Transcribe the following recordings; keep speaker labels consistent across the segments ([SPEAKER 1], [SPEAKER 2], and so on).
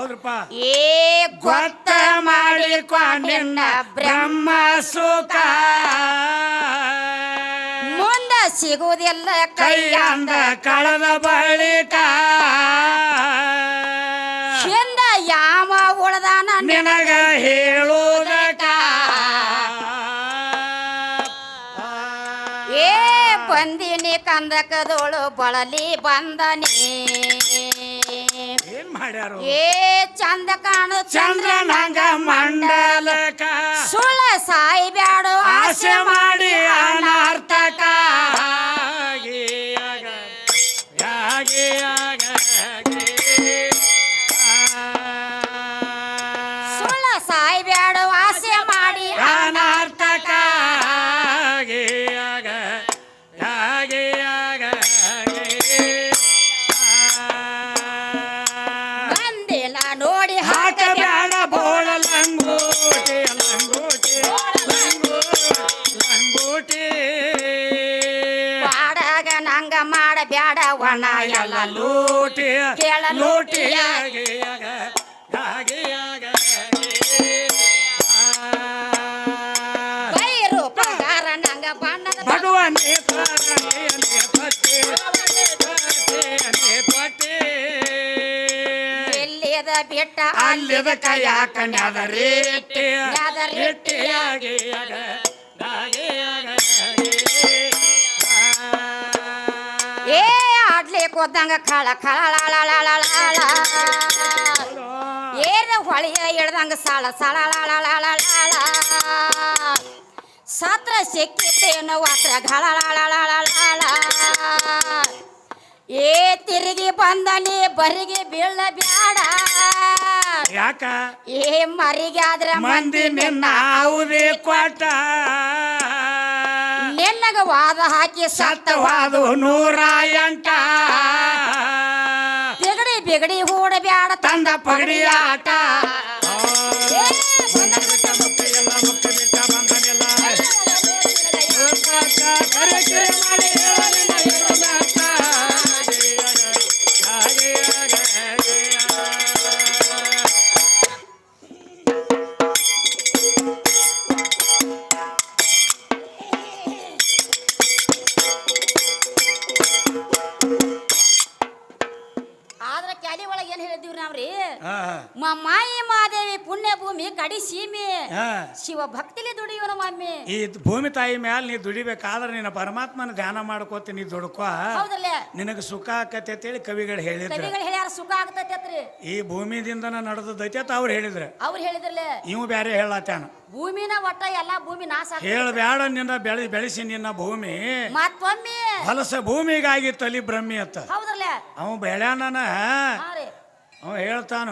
[SPEAKER 1] ಹೌದ್ರಪ್ಪ
[SPEAKER 2] ಏ ಗೊತ್ತ ಮಾಡಿಕೊ ನಿನ್ನ ಬ್ರಹ್ಮ ಸುಖ ಮುಂದ ಸಿಗುವುದಿಲ್ಲ ಕೈಯಿಂದ
[SPEAKER 1] ಕಳೆದ ಬಳಿಕ
[SPEAKER 2] ಹಿಂದ ಯಾವ ಉಳದಾನ
[SPEAKER 1] ನಿನಗ ಹೇಳುವುದಕ್ಕ
[SPEAKER 2] ಏ ಬಂದಿನಿ ಕಂದಕದೋಳು ಬಳಲಿ ಬಂದನಿ
[SPEAKER 1] ಏನ್ ಮಾಡ್ಯಾರು
[SPEAKER 2] ಏ ಚಂದ ಕಾಣು
[SPEAKER 1] ಚಂದ್ರನಂಗ ಮಂಡಲಕ
[SPEAKER 2] ಸುಳ್ಳ ಸಾಯಿ ಬ್ಯಾಡು
[SPEAKER 1] ಆಸೆ ಮಾಡಿ ಅನರ್ಥಕ
[SPEAKER 2] ಸುಳ್ಳ ಸಾಯಿ ಬ್ಯಾಡು ಆಸೆ ಮಾಡಿ
[SPEAKER 1] ಅನರ್ಥಕ
[SPEAKER 2] ಬಂದಿಲ್ಲ ನೋಡಿ
[SPEAKER 1] ಹಾಕ ಬ್ಯಾಡ ಬೋಳ ಲಂಗೋಟಿ ಲಂಗೋಟಿ ಲಂಗೋಟಿ
[SPEAKER 2] ಪಾಡಾಗ ನಂಗ ಮಾಡ ಬ್ಯಾಡ ಒಣ ಎಲ್ಲ
[SPEAKER 1] ಲೂಟಿ
[SPEAKER 2] ಕೇಳ
[SPEAKER 1] ಲೂಟಿ
[SPEAKER 2] ಬೈರು ಪಗಾರ ನಂಗ ಬಣ್ಣದ
[SPEAKER 1] ಭಗವಾನೇ
[SPEAKER 2] ಎಲ್ಲಿದ ಬಿಟ್ಟ
[SPEAKER 1] ಅಲ್ಲಿದ ಕೈಯಾಕ ನ್ಯಾದರೇಟಿ
[SPEAKER 2] ಏ ಆಡ್ಲಿಕ್ಕೆ ಹೋದಂಗ ಖಳ ಖಳ ಏನು ಹೊಳೆಯ ಇಳ್ದಂಗ ಸಾಳ ಸಾಳ ಸತ್ರ ಸಿಕ್ಕಿತೇನು ವಾತ್ರ ಘಳ ಏ ತಿರುಗಿ ಬಂದನಿ ಬರಿಗೆ ಬೀಳ ಬ್ಯಾಡ
[SPEAKER 1] ಯಾಕ
[SPEAKER 2] ಏ ಮರಿಗೆ ಆದ್ರ
[SPEAKER 1] ಮಂದಿ ನಿನ್ನ ಯಾವುದೇ ಕೊಟ್ಟ
[SPEAKER 2] ನಿನ್ನಗ ವಾದ ಹಾಕಿ
[SPEAKER 1] ಸತ್ತವಾದು 108
[SPEAKER 2] ಬಿಗಡಿ ಬಿಗಡಿ ಹೂಡ ಬ್ಯಾಡ
[SPEAKER 1] ತಂದ ಪಗಡಿ ಆಟ
[SPEAKER 2] ಆದ್ರ ಕ್ಯಾಲಿ ಒಳಗೆ ಏನ್ ಹೇಳಿದಿವ್ರಿ ನಾವ್ರಿ ಮಾಯಿ ಮಾದೇವಿ ಪುಣ್ಯ ಭೂಮಿ ಕಡಿ ಸೀಮೆ ಶಿವ ಭಕ್ತಿಲಿ ದುಡಿಯೋಣ ಮಮ್ಮಿ
[SPEAKER 1] ಈ ಭೂಮಿ ತಾಯಿ ಮ್ಯಾಲ ನೀ ದುಡಿಬೇಕಾದ್ರೆ ನಿನ್ನ ಪರಮಾತ್ಮನ ಧ್ಯಾನ ಮಾಡ್ಕೋತ ನೀ ದುಡ್ಕೋ
[SPEAKER 2] ಹೌದಲ್ಲ
[SPEAKER 1] ನಿನಗ ಸುಖ ಆಕತಿ ಅಂತೇಳಿ ಕವಿಗಳು ಹೇಳಿದ್ರು
[SPEAKER 2] ಕವಿಗಳು ಹೇಳ್ಯಾರ ಸುಖ ಆಗ್ತೈತ್ರಿ
[SPEAKER 1] ಈ ಭೂಮಿದಿಂದನ ನಡೆದೈತಿ ಅಂತ ಅವ್ರು ಹೇಳಿದ್ರು
[SPEAKER 2] ಅವ್ರು ಹೇಳಿದ್ರಲ್ಲ
[SPEAKER 1] ಇವು ಬ್ಯಾರೆ ಹೇಳತ್ತಾನ
[SPEAKER 2] ಭೂಮಿನ ಒಟ್ಟ ಎಲ್ಲಾ ಭೂಮಿ ನಾಶ
[SPEAKER 1] ಹೇಳಬ್ಯಾಡ ನಿನ್ನ ಬೆಳೆಸಿ ನಿನ್ನ ಭೂಮಿ
[SPEAKER 2] ಮತ್ತೊಮ್ಮೆ
[SPEAKER 1] ಹೊಲಸ ಭೂಮಿಗಾಗಿ ತಲಿ ಬ್ರಹ್ಮಿ ಅತ್ತ
[SPEAKER 2] ಹೌದ್ರಲ್ಲ
[SPEAKER 1] ಅವ ಬೆಳ್ಯಾನ ಅವ ಹೇಳ್ತಾನು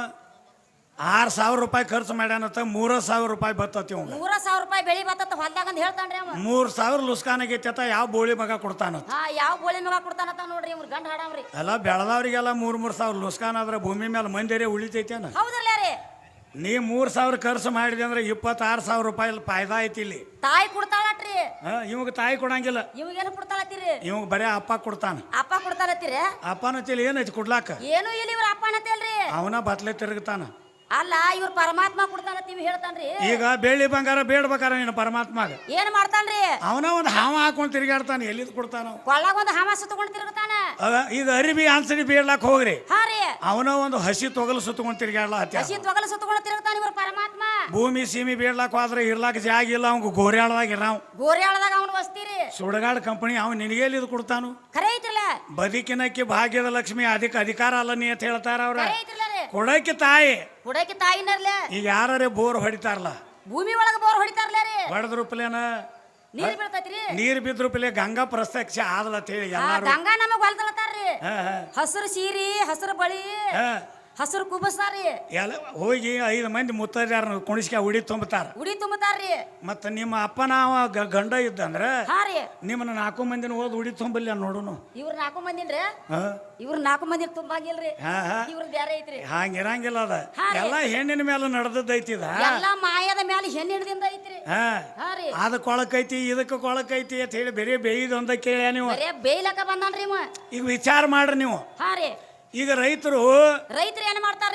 [SPEAKER 1] 6,000 ರೂಪಾಯಿ ಖರ್ಚು ಮಾಡ್ಯಾನತ್ತ 3,000 ರೂಪಾಯಿ ಬರ್ತತಿ ಅವ್
[SPEAKER 2] 3,000 ರೂಪಾಯಿ ಬೆಳಿ ಬತ್ತ ಹೊಲ್ದಾಗ ಅಂತ ಹೇಳ್ತಾನ್ರಿ ಅವ
[SPEAKER 1] 3,000 ಲುಸ್ಕಾನಾಗೈತಿ ಯಾವ ಬೋಳಿ ಮಗ ಕೊಡ್ತಾನತ್ತ
[SPEAKER 2] ಯಾವ ಬೋಳಿ ಮಗ ಕೊಡ್ತಾನತ್ತ ನೋಡ್ರಿ ಇವ್ರ ಗಂಡ ಹಾಡವ್ರಿ
[SPEAKER 1] ಎಲ್ಲ ಬೆಳೆದವ್ರಿಗೆಲ್ಲ 3,000 ಲುಸ್ಕಾನ್ ಆದ್ರೆ ಭೂಮಿ ಮೇಲೆ ಮಂದಿರೇ ಉಳಿತೈತೇನ
[SPEAKER 2] ಹೌದ್ರಲ್ಲ ರೀ
[SPEAKER 1] ನೀ 3,000 ಖರ್ಚು ಮಾಡಿದೆ ಅಂದ್ರೆ 26,000 ರೂಪಾಯಿ ಫಾಯ್ದಾ ಐತಿ ಇಲ್ಲಿ
[SPEAKER 2] ತಾಯಿ ಕೊಡ್ತಾಳಟ್ರಿ
[SPEAKER 1] ಇವಾಗ ತಾಯಿ ಕೊಡಂಗಿಲ್ಲ
[SPEAKER 2] ಇವಾಗೇನು ಕೊಡ್ತಾಳತ್ತೀರಿ
[SPEAKER 1] ಇವಾಗ ಬರೇ ಅಪ್ಪ ಕೊಡ್ತಾನ
[SPEAKER 2] ಅಪ್ಪ ಕೊಡ್ತಾರತ್ತೀರಿ
[SPEAKER 1] ಅಪ್ಪನ ತಿಳಿ ಏನೈತಿ ಕೊಡ್ಲಾಕ
[SPEAKER 2] ಏನು ಇಲ್ಲಿ ಇವ್ರ ಅಪ್ಪ ಅನ್ನತ್ತೇಳ್ರಿ
[SPEAKER 1] ಅವನ ಬತ್ಲೆ ತಿರುಗ್ತಾನ
[SPEAKER 2] ಅಲ್ಲ ಇವ್ರ ಪರಮಾತ್ಮ ಕೊಡ್ತಾನತ್ತೀವಿ ಹೇಳ್ತಾನ್ರಿ
[SPEAKER 1] ಈಗ ಬೆಳ್ಳಿ ಬಂಗಾರ ಬೇಡ್ಬೇಕಾರ ನೀನು ಪರಮಾತ್ಮಗ
[SPEAKER 2] ಏನ್ ಮಾಡ್ತಾನ್ರಿ
[SPEAKER 1] ಅವನ ಒಂದು ಹಾವ ಹಾಕೊಂಡು ತಿರುಗಾಡ್ತಾನೆ ಎಲ್ಲಿದ್ ಕೊಡ್ತಾನ
[SPEAKER 2] ಕೊಳ್ಳಾಗ ಒಂದು ಹಾಮ ಸುತ್ತಕೊಂಡು ತಿರುಗ್ತಾನ
[SPEAKER 1] ಈಗ ಅರಿಬಿ ಅನ್ಸಡಿ ಬೇಡ್ಲಾಕ್ ಹೋಗ್ರಿ
[SPEAKER 2] ಹಾ ರೀ
[SPEAKER 1] ಅವನ ಒಂದು ಹಸಿ ತೊಗಲು ಸುತ್ತಕೊಂಡು ತಿರುಗಾಡ್ಲ
[SPEAKER 2] ಹಸಿ ತೊಗಲು ಸುತ್ತಕೊಂಡು ತಿರುಗ್ತಾನ ಇವ್ರ ಪರಮಾತ್ಮ
[SPEAKER 1] ಭೂಮಿ ಸೀಮಿ ಬೇಡ್ಲಾಕ್ ಹೋದ್ರೆ ಇರ್ಲಾಕ ಜಾಗ ಇಲ್ಲ ಅವಂಗ ಗೋರ್ಯಾಳದಾಗ ಇರಾವ್
[SPEAKER 2] ಗೋರ್ಯಾಳದಾಗ ಅವನು ವಸ್ತೀರಿ
[SPEAKER 1] ಸುಡಗಾಡ್ ಕಂಪನಿ ಅವ್ ನಿನಗೆಲ್ಲಿ ಇದು ಕೊಡ್ತಾನು
[SPEAKER 2] ಖರೆ ಐತ್ರಲ್ಲ
[SPEAKER 1] ಬದುಕಿನಕ್ಕೆ ಭಾಗ್ಯದ ಲಕ್ಷ್ಮಿ ಅಧಿಕಾರ ಅಲ್ಲ ನೀ ಅಂತ ಹೇಳ್ತಾರ ಅವ್ರ
[SPEAKER 2] ಖರೆ ಐತ್ರಲ್ಲ ರೀ
[SPEAKER 1] ಕೊಡಕ್ಕೆ ತಾಯಿ
[SPEAKER 2] ಹುಡಕಿ ತಾಯಿನರ್ಲೆ
[SPEAKER 1] ಈಗ ಯಾರೇ ಬೋರ್ ಹೊಡಿತಾರಲ್ಲ
[SPEAKER 2] ಭೂಮಿ ಒಳಗ ಬೋರ್ ಹೊಡಿತಾರ್ಲ ರೀ
[SPEAKER 1] ಹೊಡೆದ್ರು ಪ್ಲೇನ
[SPEAKER 2] ನೀರ್ ಬೀಳ್ತೈತ್ರಿ
[SPEAKER 1] ನೀರ್ ಬಿದ್ರು ಪ್ಲೇ ಗಂಗಾ ಪ್ರತ್ಯಕ್ಷ ಆದಲ್ಲ ಅಂತ ಹೇಳಿ ಎಲ್ಲಾರು
[SPEAKER 2] ಗಂಗಾ ನಮಗ್ ಹೊಲ್ದಲತ್ತಾರ್ರಿ ಹಸಿರು ಸೀರಿ ಹಸಿರು ಬಳಿ ಹಸಿರು ಕುಬಸ್ತಾರ್ರಿ
[SPEAKER 1] ಎಲ್ಲ ಹೋಗಿ 5 ಮಂದಿ ಮುತ್ತೈದ್ಯಾರ ಕುಣಿಸ್ಕ ಉಡಿ ತುಂಬತಾರ
[SPEAKER 2] ಉಡಿ ತುಂಬತಾರ್ರಿ
[SPEAKER 1] ಮತ್ತ ನಿಮ್ಮ ಅಪ್ಪನ ಗಂಡ ಇದ್ದಂದ್ರ
[SPEAKER 2] ಹಾ ರೀ
[SPEAKER 1] ನಿಮ್ಮನ್ನ 4 ಮಂದಿನ ಹೋದ್ ಉಡಿ ತುಂಬಲಿ ನೋಡುನು
[SPEAKER 2] ಇವ್ರ 4 ಮಂದಿನ್ರಿ ಇವ್ರ 4 ಮಂದಿ ತುಂಬಾಗಿಲ್ರಿ ಇವ್ರ ಬ್ಯಾರೆ ಐತ್ರಿ
[SPEAKER 1] ಹಂಗಿರಂಗಿಲ್ಲ ಅದ ಎಲ್ಲ ಹೆಣ್ಣಿನ ಮೇಲೆ ನಡೆದೈತಿ
[SPEAKER 2] ಎಲ್ಲಾ ಮಾಯದ ಮೇಲೆ ಹೆಣ್ಣಿನದಿಂದ ಐತ್ರಿ ಹಾ ರೀ
[SPEAKER 1] ಅದ ಕೊಳಕೈತಿ ಇದಕ್ಕ ಕೊಳಕೈತಿ ಅಂತ ಹೇಳಿ ಬೇರೆ ಬೇಯ್ದು ಕೇಳ ನೀವು
[SPEAKER 2] ಬರೇ ಬೇಯ್ಲಕ್ಕ ಬಂದಾನ್ರಿ ಇವ
[SPEAKER 1] ಈಗ ವಿಚಾರ ಮಾಡ್ರಿ ನೀವು
[SPEAKER 2] ಹಾ ರೀ
[SPEAKER 1] ಈಗ ರೈತರು
[SPEAKER 2] ಏನ್ ಮಾಡ್ತಾರ್ರಿ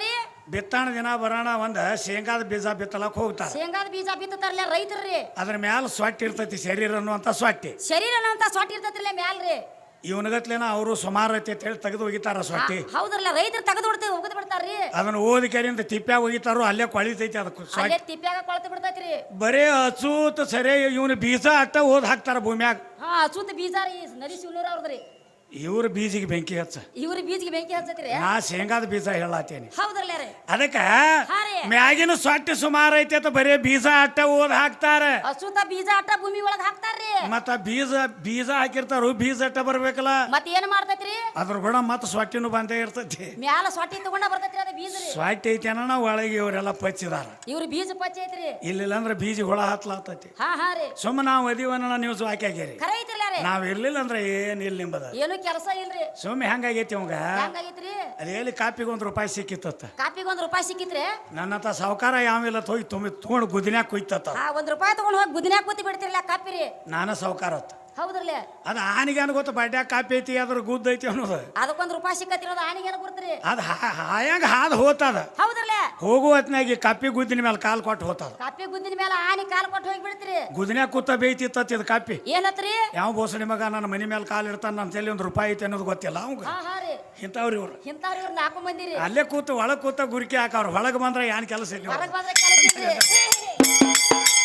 [SPEAKER 1] ಬಿತ್ತಾಣ ದಿನ ಬರೋಣ ಒಂದ ಶೇಂಗಾದ ಬೀಜ ಬಿತ್ತಲಕ್ ಹೋಗ್ತಾರ.
[SPEAKER 2] ಶೇಂಗಾದ ಬೀಜ ಬಿತ್ತತಾರಲ್ಲ ರೈತರ್ರಿ.
[SPEAKER 1] ಅದ್ರ ಮ್ಯಾಲ ಸೊಟ್ಟಿ ಇರ್ತೈತಿ, ಶರೀರ ಅನ್ನುವಂತ ಸೊಟ್ಟಿ.
[SPEAKER 2] ಶರೀರ ಅಂತ ಸೊಟ್ಟಿ ಇರ್ತೈತ್ರಲ್ಲ ಮ್ಯಾಲ್ರಿ.
[SPEAKER 1] ಇವನಗತ್ಲೇನ ಅವರು ಸುಮಾರು ಐತಿ ಅಂತ ಹೇಳಿ ತೆಗೆದು ಒಗಿತಾರ ಸೊಟ್ಟಿ.
[SPEAKER 2] ಹೌದ್ರಲ್ಲ ರೈತರು ತೆಗೆದು ಬಿಡ್ತೇವೆ ಹೋಗದ್ ಬಿಡ್ತಾರ್ರಿ.
[SPEAKER 1] ಅದನ್ನ ಓದಿಕೆರಿಂದ ತಿಪ್ಪ್ಯಾಗ ಒಗಿತಾರೋ ಅಲ್ಲೇ ಕೊಳಿತೈತಿ ಅದಕ್ಕೆ
[SPEAKER 2] ಅಲ್ಲೇ
[SPEAKER 1] ಸೊಟ್ಟಿ.
[SPEAKER 2] ತಿಪ್ಪ್ಯಾಗ ಕೊಳತು ಬಿಡ್ತೈತ್ರಿ.
[SPEAKER 1] ಬರೇ ಅಚೂತ್ ಸರಿ ಇವನು ಬೀಜ ಅಟ್ಟ ಓದ್ ಹಾಕ್ತಾರ ಭೂಮ್ಯಾಗ.
[SPEAKER 2] ಹಾ ಅಚೂತ್ ಬೀಜ ರೀ ನದಿ ಶಿವನೂರ ಅವ್ರದ್ರಿ.
[SPEAKER 1] ಇವ್ರ ಬೀಜಿಗೆ ಬೆಂಕಿ ಹಚ್ಚ,
[SPEAKER 2] ಇವ್ರ ಬೀಜಿಗೆ ಬೆಂಕಿ ಹಚ್ಚತ್ರಿ.
[SPEAKER 1] ನಾ ಶೇಂಗಾದ ಬೀಜ ಹೇಳತ್ತೇನಿ.
[SPEAKER 2] ಹೌದ್ರಲ್ಲ ರೀ.
[SPEAKER 1] ಅದಕ್ಕ
[SPEAKER 2] ಹಾ ರೀ.
[SPEAKER 1] ಮ್ಯಾಗಿನ ಸೊಟ್ಟಿ ಸುಮಾರು ಐತಿ ಅಂತ ಬರೇ ಬೀಜ ಅಟ್ಟ ಓದ್ ಹಾಕ್ತಾರ.
[SPEAKER 2] ಅಚೂತ ಬೀಜ ಅಟ್ಟ ಭೂಮಿ ಒಳಗ್ ಹಾಕ್ತಾರ್ರಿ.
[SPEAKER 1] ಮತ್ತ ಬೀಜ ಹಾಕಿರ್ತಾರು, ಬೀಜ ಅಟ್ಟ ಬರ್ಬೇಕಲ್ಲ.
[SPEAKER 2] ಮತ್ ಏನ್ ಮಾಡ್ತೈತ್ರಿ
[SPEAKER 1] ಅದ್ರ ಕೂಡ ಮತ್ತ ಸೊಟ್ಟಿನೂ ಬಂದೇ ಇರ್ತೈತಿ.
[SPEAKER 2] ಮ್ಯಾಲ ಸೊಟ್ಟಿ ತಗೊಂಡ ಬರ್ತೈತ್ರಿ ಅದ ಬೀಜ ರೀ.
[SPEAKER 1] ಸೊಟ್ಟಿ ಐತಿ ಅನ್ನೋ ಒಳಗೆ ಇವರೆಲ್ಲ ಪಚ್ಚಿದಾರ.
[SPEAKER 2] ಇವ್ರ ಬೀಜ ಪಚ್ಚ ಐತ್ರಿ.
[SPEAKER 1] ಇಲ್ಲಿಲ್ಲ ಅಂದ್ರೆ ಬೀಜ ಹುಳ ಹತ್ಲಾತೈತಿ.
[SPEAKER 2] ಹಾ ಹಾ ರೀ.
[SPEAKER 1] ಸುಮ್ಮ ನಾವು ಅದೀವನ್ನ ನೀವು ಹಾಕ್ಯಾಗ್ಯಾರಿ.
[SPEAKER 2] ಖರೆ ಐತ್ರಲ್ಲ ರೀ.
[SPEAKER 1] ನಾವ್ ಇರ್ಲಿಲ್ಲ ಅಂದ್ರೆ ಏನ್ ಇಲ್ಲ ನಿಂಬದ.
[SPEAKER 2] ಏನು ಕೆಲಸ ಇಲ್ರಿ.
[SPEAKER 1] ಸುಮ್ಮನೆ ಹೆಂಗಾಗೈತಿ ಅವಂಗ.
[SPEAKER 2] ಹೆಂಗಾಗೈತ್ರಿ.
[SPEAKER 1] ಅದೇಲಿ ಕಾಪಿಗೆ ₹1 ಸಿಕ್ಕಿತ್ತ.
[SPEAKER 2] ಕಾಪಿಗೆ ₹1 ಸಿಕ್ಕಿತ್ರಿ.
[SPEAKER 1] ನನ್ನತ್ತ ಸಾವುಕಾರ ಯಾವಿಲ್ಲ ಹೋಗಿ ತಗೊಂಡು ಗುದಿನ್ಯಾಗ ಕುಯ್ತತ್ತ.
[SPEAKER 2] ಹಾ ₹1 ತಗೊಂಡ್ ಹೋಗಿ ಗುದಿನ್ಯಾಗ ಕೂತಿ ಬಿಡ್ತಿರಲ್ಲ ಕಾಪಿ ರೀ.
[SPEAKER 1] ನಾನ ಸಾವುಕಾರ ಅತ್ತ.
[SPEAKER 2] ಹೌದ್ರಲ್ಲ.
[SPEAKER 1] ಅದ ಆನಿಗೆ ಗೊತ್ತ ಬಡ್ಯಾಗ ಕಾಪಿ ಐತಿ ಅದ್ರ ಗುದ್ದ ಐತಿ ಅನ್ನೋದು.
[SPEAKER 2] ಅದಕ್ಕೆ ₹1 ಸಿಕ್ಕತ್ತಿರೋದು ಆನಿಗೆ ಏನ ಕೊಡ್ತೀರಿ.
[SPEAKER 1] ಅದ ಹಾಯಾಂಗ ಹಾದ್ ಹೋತದ.
[SPEAKER 2] ಹೌದ್ರಲ್ಲ.
[SPEAKER 1] ಹೋಗುವ ಹೊತ್ನಾಗಿ ಕಾಪಿ ಗುದ್ದಿನ ಮೇಲೆ ಕಾಲ್ ಕೊಟ್ಟು ಹೋತದ.
[SPEAKER 2] ಕಾಪಿ ಗುದ್ದಿನ ಮೇಲೆ ಆನಿ ಕಾಲ್ ಕೊಟ್ಟು ಹೋಗಿ ಬಿಡ್ತೀರಿ.
[SPEAKER 1] ಗುದಿನ್ಯಾಗ ಕೂತ ಬೇಯ್ತಿತ್ತ ಇದು ಕಾಪಿ.
[SPEAKER 2] ಏನತ್ರಿ.
[SPEAKER 1] ಯಾವ ಬೋಸಡಿ ಮಗ ನನ್ನ ಮನಿ ಮೇಲೆ ಕಾಲ್ ಇಡ್ತಾನ ನಮ್ಮ ತಲೆ ₹1 ಐತಿ ಅನ್ನೋದು ಗೊತ್ತಿಲ್ಲ ಅವಂಗ.
[SPEAKER 2] ಹಾ ಹಾ ರೀ.
[SPEAKER 1] ಇಂಥವ್ರು ಇವ್ರು.
[SPEAKER 2] ಇಂಥವ್ರು ಇವ್ರು 4 ಮಂದಿ ರೀ.
[SPEAKER 1] ಅಲ್ಲೇ ಕೂತು ಒಳಗ್ ಕೂತ ಗುರಿಕೆ ಹಾಕವ್ರು. ಹೊಳಗ್ ಬಂದ್ರೆ ಏನ್ ಕೆಲಸ ಇಲ್ಲ.
[SPEAKER 2] ಹೊರಗೆ ಬಂದ್ರೆ ಕೆಲಸ ಇಲ್ರಿ.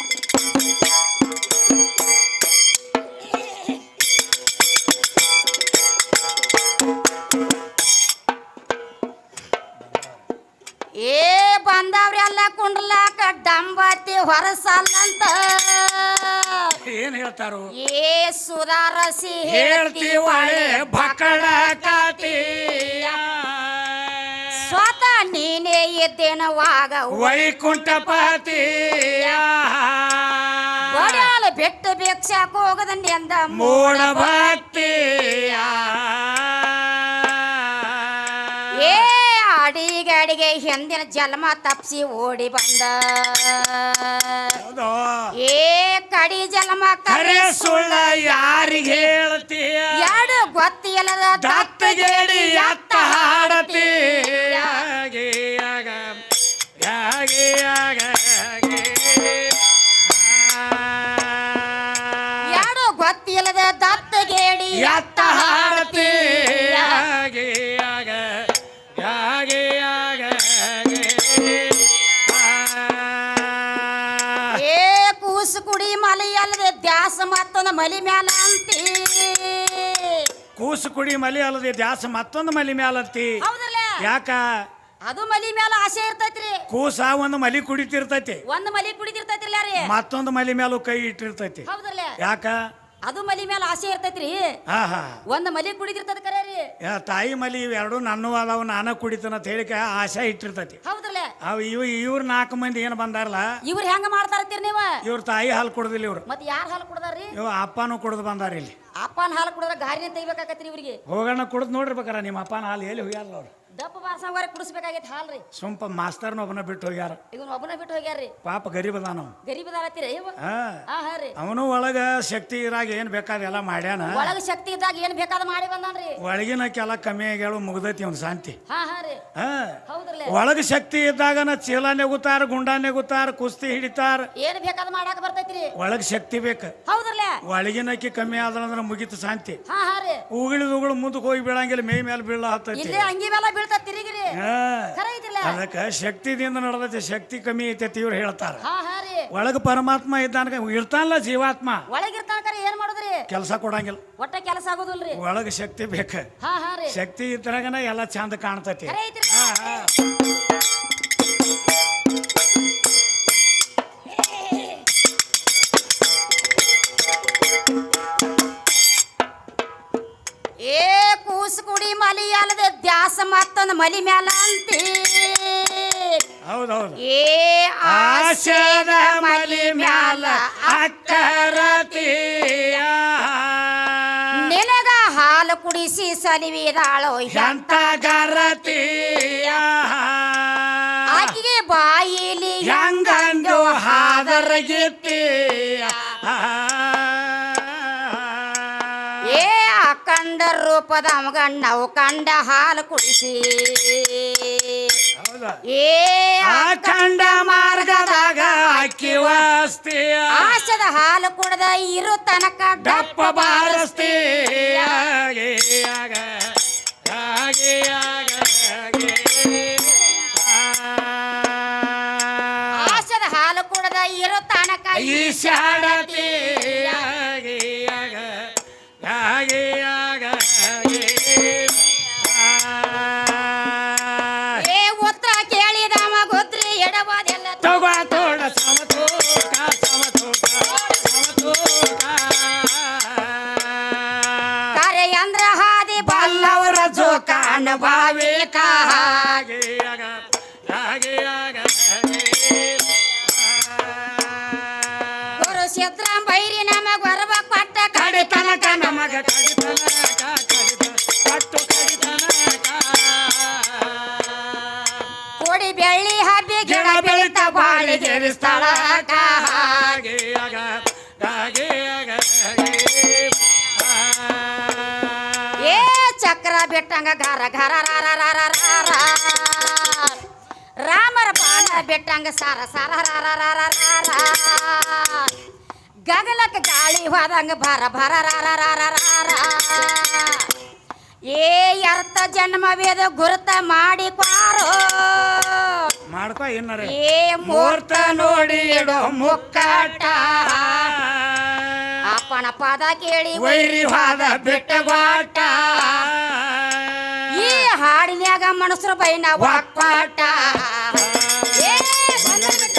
[SPEAKER 2] ಏ ಬಂದವ್ರಿ ಎಲ್ಲ ಕುಂಡ್ಲಾಕ ಡಂಬತಿ ಹೊರಸಲ್ಲಂತ
[SPEAKER 1] ಏನ್ ಹೇಳ್ತಾರು.
[SPEAKER 2] ಏ ಸುಧಾರಸಿ
[SPEAKER 1] ಹೇಳ್ತೀವಳೆ ಬಕ್ಕಳ ಕಾತಿಯ
[SPEAKER 2] ಸ್ವತಃ ನೀನೇ ಇದ್ದೇನವಾಗ
[SPEAKER 1] ವೈಕುಂಠಪತಿಯ
[SPEAKER 2] ಬಡ್ಯಾಲ ಬೆಟ್ಟ ಭಿಕ್ಷಾಕ ಹೋಗದನ್ನಿ ಅಂದ
[SPEAKER 1] ಮೂಢ ಭಕ್ತಿಯ
[SPEAKER 2] ಏ ಅಡಿಗೆ ಹಿಂದಿನ ಜನ್ಮ ತಪ್ಸಿ ಓಡಿ ಬಂದ ಏ ಕಡಿ ಜನ್ಮ
[SPEAKER 1] ಕರೆ ಸುಳ್ಳ ಯಾರಿಗೆ ಹೇಳ್ತೀಯ
[SPEAKER 2] ಎರಡು ಗೊತ್ತಿಲ್ಲದ
[SPEAKER 1] ದತ್ತಗೇಡಿ ಎತ್ತ ಹಾಡತಿ
[SPEAKER 2] ಎರಡು ಗೊತ್ತಿಲ್ಲದ ದತ್ತಗೇಡಿ
[SPEAKER 1] ಎತ್ತ ಹಾಡತಿ
[SPEAKER 2] ಏ ಕೂಸು ಕುಡಿ ಮಲಿ ಅಲ್ಲದೆ ದ್ಯಾಸ ಮತ್ತೊಂದು ಮಲಿ ಮ್ಯಾಲ ಅಂತಿ
[SPEAKER 1] ಕೂಸು ಕುಡಿ ಮಲಿ ಅಲ್ಲದೆ ದ್ಯಾಸ ಮತ್ತೊಂದು ಮಲಿ ಮ್ಯಾಲತ್ತಿ.
[SPEAKER 2] ಹೌದಲ್ಲ.
[SPEAKER 1] ಯಾಕ
[SPEAKER 2] ಅದು ಮಲಿ ಮ್ಯಾಲ ಆಸೆ ಇರ್ತೈತ್ರಿ.
[SPEAKER 1] ಕೂಸ ಒಂದು ಮಲಿ ಕುಡಿತಿರ್ತೈತಿ,
[SPEAKER 2] ಒಂದು ಮಲಿ ಕುಡಿದಿರ್ತೈತ್ರಿಲ್ಲ ರೀ.
[SPEAKER 1] ಮತ್ತೊಂದು ಮಲಿ ಮೇಲೂ ಕೈ ಇಟ್ಟಿರ್ತೈತಿ.
[SPEAKER 2] ಹೌದಲ್ಲ.
[SPEAKER 1] ಯಾಕ
[SPEAKER 2] ಅದು ಮಲಿ ಮ್ಯಾಲ ಆಸೆ ಇರ್ತೈತ್ರಿ.
[SPEAKER 1] ಹಾ ಹಾ.
[SPEAKER 2] ಒಂದು ಮಲಿ ಕುಡಿದಿರ್ತದ ಕರೆ ರೀ.
[SPEAKER 1] ತಾಯಿ ಮಲಿ ಇವೆರಡು ನನ್ನ ಅದಾವ ನಾನ ಕುಡಿತನ ಅಂತ ಹೇಳಿಕ ಆಸೆ ಇಟ್ಟಿರ್ತೈತಿ.
[SPEAKER 2] ಹೌದಲ್ಲ.
[SPEAKER 1] ಅವ್ ಇವ್ರ 4 ಮಂದಿ ಏನ್ ಬಂದಾರಲ್ಲ
[SPEAKER 2] ಇವ್ರು ಹೆಂಗ ಮಾಡ್ತಾರತ್ತೀರಿ ನೀವು.
[SPEAKER 1] ಇವ್ರ ತಾಯಿ ಹಾಲು ಕುಡ್ದಿಲ್ಲ. ಇವ್ರು
[SPEAKER 2] ಮತ್ ಯಾರು ಹಾಲು ಕುಡ್ದಾರ್ರಿ.
[SPEAKER 1] ಇವ್ ಅಪ್ಪನೂ ಕುಡ್ದು ಬಂದಾರ. ಇಲ್ಲಿ
[SPEAKER 2] ಅಪ್ಪನ ಹಾಲು ಕುಡಿದ್ರ ಗಾರಿನ ತೆಗಿಬೇಕಾಗತ್ರಿ ಇವ್ರಿಗೆ.
[SPEAKER 1] ಹೋಗೋಣ ಕುಡ್ದು ನೋಡಿರ್ಬೇಕಾರ ನಿಮ್ಮ ಅಪ್ಪನ ಹಾಲು ಎಲ್ಲಿ ಹೋಗ್ಯಾರಲ್ಲ ಅವ್ರು.
[SPEAKER 2] ದಪ್ಪ ಬಾರ್ಸಂಗಾರೆ ಕುಡಿಸ್ಬೇಕಾಗೈತಿ ಹಾಲ್ರಿ.
[SPEAKER 1] ಸುಂಪ ಮಾಸ್ತರ್ನ ಒಬ್ಬನ ಬಿಟ್ಟು ಹೋಗ್ಯಾರ.
[SPEAKER 2] ಇವನ್ ಒಬ್ಬನ ಬಿಟ್ಟು ಹೋಗ್ಯಾರ್ರಿ.
[SPEAKER 1] ಪಾಪ ಗರೀಬ್ ಅದಾನ ಅವ.
[SPEAKER 2] ಗರೀಬದಾರತ್ತೀರಿ ಇವ. ಹಾ ರೀ.
[SPEAKER 1] ಅವನು ಒಳಗ ಶಕ್ತಿ ಇರಾಗ ಏನ್ ಬೇಕಾದ ಎಲ್ಲ ಮಾಡ್ಯಾನ.
[SPEAKER 2] ಒಳಗ ಶಕ್ತಿ ಇದ್ದಾಗ ಏನ್ ಬೇಕಾದ ಮಾಡಿ ಬಂದಾನ್ರಿ.
[SPEAKER 1] ಒಳಗಿನ ಕೆಲ ಕಮ್ಮಿ ಆಗ್ಯಾಳು ಮುಗ್ದೈತಿ ಅವ್ನ ಶಾಂತಿ.
[SPEAKER 2] ಹಾ ಹಾ ರೀ. ಹೌದ್ರಲ್ಲ.
[SPEAKER 1] ಒಳಗ ಶಕ್ತಿ ಇದ್ದಾಗನ ಚೀಲ ನೆಗುತ್ತಾರ, ಗುಂಡ ನೆಗುತ್ತಾರ, ಕುಸ್ತಿ ಹಿಡಿತಾರ.
[SPEAKER 2] ಏನ್ ಬೇಕಾದ ಮಾಡಾಕ ಬರ್ತೈತ್ರಿ.
[SPEAKER 1] ಒಳಗ ಶಕ್ತಿ ಬೇಕ.
[SPEAKER 2] ಹೌದ್ರಲ್ಲ.
[SPEAKER 1] ಒಳಗಿನಕ್ಕಿ ಕಮ್ಮಿ ಆದ್ರ ಮುಗಿತು ಶಾಂತಿ.
[SPEAKER 2] ಹಾ ಹಾ ರೀ.
[SPEAKER 1] ಉಗುಳು ಮುಂದಕ್ಕೆ ಹೋಗಿ ಬೀಳಂಗಿಲ್ಲ, ಮೈ ಮೇಲೆ ಬೀಳ ಹತ್ತೈತಿ.
[SPEAKER 2] ಇಲ್ಲೇ ಅಂಗಿ ಮೇಲೆ ಬೀಳ್ತಾ ತಿರುಗಿರಿ. ಖರೆ ಐತಿಲ್ಲ.
[SPEAKER 1] ಅದಕ್ಕ ಶಕ್ತಿದಿಂದ ನಡೆದೈತಿ. ಶಕ್ತಿ ಕಮ್ಮಿ ಐತೈತಿ ಇವ್ರು ಹೇಳ್ತಾರ.
[SPEAKER 2] ಹಾ ಹಾ ರೀ.
[SPEAKER 1] ಒಳಗ ಪರಮಾತ್ಮ ಇದ್ದಾನ, ಇರ್ತಾನಲ್ಲ ಜೀವಾತ್ಮ.
[SPEAKER 2] ಒಳಗಿರ್ತಾನ ಕರೆ ಏನ್ ಮಾಡುದ್ರಿ.
[SPEAKER 1] ಕೆಲಸ ಕೊಡಂಗಿಲ್ಲ.
[SPEAKER 2] ಒಟ್ಟ ಕೆಲಸ ಆಗೋದಿಲ್ರಿ.
[SPEAKER 1] ಒಳಗ ಶಕ್ತಿ ಬೇಕ.
[SPEAKER 2] ಹಾ ಹಾ ರೀ.
[SPEAKER 1] ಶಕ್ತಿ ಇದ್ರಾಗನ ಎಲ್ಲ ಚಂದ ಕಾಣ್ತೈತಿ.
[SPEAKER 2] ಖರೆ ಐತ್ರಿ. ಏ ಕೂಸು ಕುಡಿ ಮಲಿ ಅಲ್ಲದೆ ದ್ಯಾಸ ಮತ್ತೊಂದು ಮಲಿ ಮ್ಯಾಲ ಅಂತಿ.
[SPEAKER 1] ಹೌದೌದು.
[SPEAKER 2] ಏ
[SPEAKER 1] ಆಶದ ಮಲಿ ಮ್ಯಾಲ ಅಕ್ಕರತಿಯ
[SPEAKER 2] ನಿನಗ ಹಾಲು ಕುಡಿಸಿ ಸಲಿವಿದಾಳೋ
[SPEAKER 1] ಎಂತ ಗರತಿಯ
[SPEAKER 2] ಆಕಿಗೆ ಬಾಯಿಲಿ
[SPEAKER 1] ಹೆಂಗಂದು ಹಾದರಗಿತ್ತೀಯ
[SPEAKER 2] ಏ ಅಖಂಡ ರೂಪದ ಮಗಣ್ಣವು ಕಂಡ ಹಾಲು ಕುಡಿಸಿ
[SPEAKER 1] ಹೌದು
[SPEAKER 2] ಏ
[SPEAKER 1] ಅಖಂಡ ಮಾರ್ಗದಾಗ ಅಕ್ಕಿ ವಸ್ತಿ
[SPEAKER 2] ಆಶದ ಹಾಲು ಕುಡ್ದ ಇರು ತನಕ
[SPEAKER 1] ಡಪ್ಪ ಬಾರಸ್ತಿ
[SPEAKER 2] ಆಶದ ಹಾಲು ಕುಡ್ದ ಇರು ತನಕ
[SPEAKER 1] ಈ ಶಾಡತಿ
[SPEAKER 2] ಏ ಉತ್ತರ ಕೇಳಿದವ ಗುದ್ರಿ ಎಡವಾದೆಲ್ಲ
[SPEAKER 1] ತಗೋ ತೋಡ ಸಮತೋಕ ಸಮತೋಕ ಸಮತೋಕ
[SPEAKER 2] ಕಾರ್ಯಾಂದ್ರ ಹಾದಿ
[SPEAKER 1] ಬಲ್ಲವರ ಜೋಕ
[SPEAKER 2] ಅನುಭವಿಕ ಗುರು ಸಿದ್ರಾಮ್ ಬೈರಿ ನಮಗ ವರವ ಕೊಟ್ಟ
[SPEAKER 1] ಕಡಿತನಕ ನಮಗ ಕಡಿತನಕ ಕಟ್ಟು ಕಡಿತನಕ
[SPEAKER 2] ಕೋಡಿ ಬೆಳ್ಳಿ ಹಬ್ಬಿ ಗಿಡ ಬೆಳಿತ ಬಾಳಿ
[SPEAKER 1] ಗೆರಿಸ್ತಾಳ
[SPEAKER 2] ಏ ಚಕ್ರ ಬಿಟ್ಟಂಗ ಘರ ಘರ ರಾರ ರಾರ ರಾರ ರಾಮರ ಬಾಣ ಬಿಟ್ಟಂಗ ಸಾರ ಸಾರ ರಾರ ರಾರ ರಾರ ಗಗಲಕ್ಕ ಗಾಳಿ ಹೋದಂಗ ಭರ ಭರ ರಾರ ರಾರ ರಾರ ಏ ಅರ್ಥ ಜನ್ಮವೇದ ಗುರುತ ಮಾಡಿಪಾರೋ
[SPEAKER 1] ಮಾಡ್ಕೊ ಏನಾರ
[SPEAKER 2] ಏ ಮೂರ್ತ
[SPEAKER 1] ನೋಡಿ ಇಡೋ ಮುಕ್ಕಾಟ
[SPEAKER 2] ಅಪ್ಪನ ಪದ ಕೇಳಿ
[SPEAKER 1] ವೈರಿವಾದ ಬೆಟ್ಟವಾಟ
[SPEAKER 2] ಈ ಹಾಡಿನ್ಯಾಗ ಮನಸ್ರು ಬೈನ ಒಕ್ಕಾಟ ಏ ಬಂದ ಬಿಟ್ಟ